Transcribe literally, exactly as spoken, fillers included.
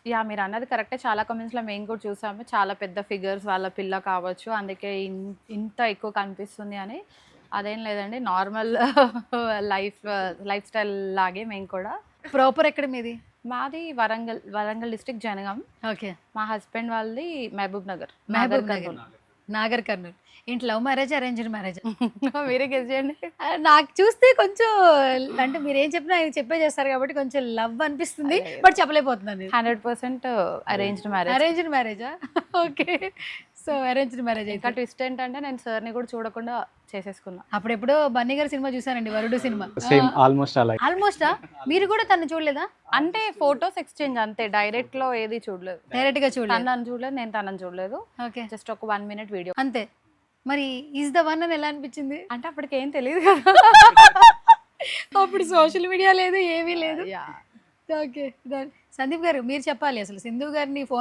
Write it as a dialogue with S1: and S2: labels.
S1: Yeah! మీరన్నది కరెక్టే. చాలా కామెంట్స్‌లో మేము కూడా చూసాము. చాలా పెద్ద ఫిగర్స్ వాళ్ళ పిల్ల కావచ్చు. అందుకే ఇన్ ఇంత ఎక్కువ కనిపిస్తుంది అని. అదేం లేదండి. నార్మల్ లైఫ్ లైఫ్ స్టైల్ లాగే మేము కూడా.
S2: ప్రాపర్ ఎక్కడ మీది?
S1: మాది వరంగల్. వరంగల్ డిస్ట్రిక్ట్ జనగాం.
S2: ఓకే.
S1: మా హస్బెండ్ వాళ్ళది మహబూబ్ నగర్.
S2: మహబూబ్
S1: నాగర్
S2: నగర్.
S1: కర్నూల్.
S2: నాగర్ కర్నూల్. ఏంటి లవ్ మ్యారేజా? అరేంజ్డ్ మ్యారేజా?
S1: మీరే గెస్ చేయండి.
S2: ఆహ్, నాకు చూస్తే కొంచెం అంటే మీరేం చెప్పినా ఆయన చెప్పేసేస్తారు కాబట్టి కొంచెం లవ్ అనిపిస్తుంది.
S1: లేదు.
S2: బట్ చెప్పలేకపోతున్నాను నేను.
S1: Hundred percent arranged marriage.
S2: Arranged మ్యారేజా? ఓకే. సో అరేంజ్డ్ మ్యారేజ్
S1: ఇంకా
S2: అయితే.
S1: ట్విస్ట్ ఏంటంటే నేను సార్‌ని కూడా చూడకుండా చేసేసుకున్నా.
S2: అప్పుడెప్పుడో బన్నీ గారి సినిమా చూసానండి, వరుడు సినిమా.
S3: సేమ్ ఆల్మోస్ట్ అలా.
S2: ఆల్మోస్టా? మీరు కూడా తను చూడలేదా?
S1: అంటే ఫోటోస్ ఎక్స్చేంజ్ అంతే. డైరెక్ట్‌లో ఏది చూడలేదు.
S2: డైరెక్ట్ గా చూడలేదు.
S1: తను నన్ను చూడలేదు. నేను తనని చూడలేదు.
S2: ఓకే.
S1: జస్ట్ ఒక వన్ మినిట్ వీడియో.
S2: అంతే. మరి ఈజ్ ద వన్ అని ఎలా అనిపించింది?
S1: అంటే అప్పటికేం తెలీదు కదా!
S2: అప్పుడు సోషల్ మీడియా లేదు, ఏమీ లేదు.
S1: యాహ్!
S2: ఓకే. సందీప్ గారు మీరు చెప్పాలి, అసలు సింధు గారిని ఫోన్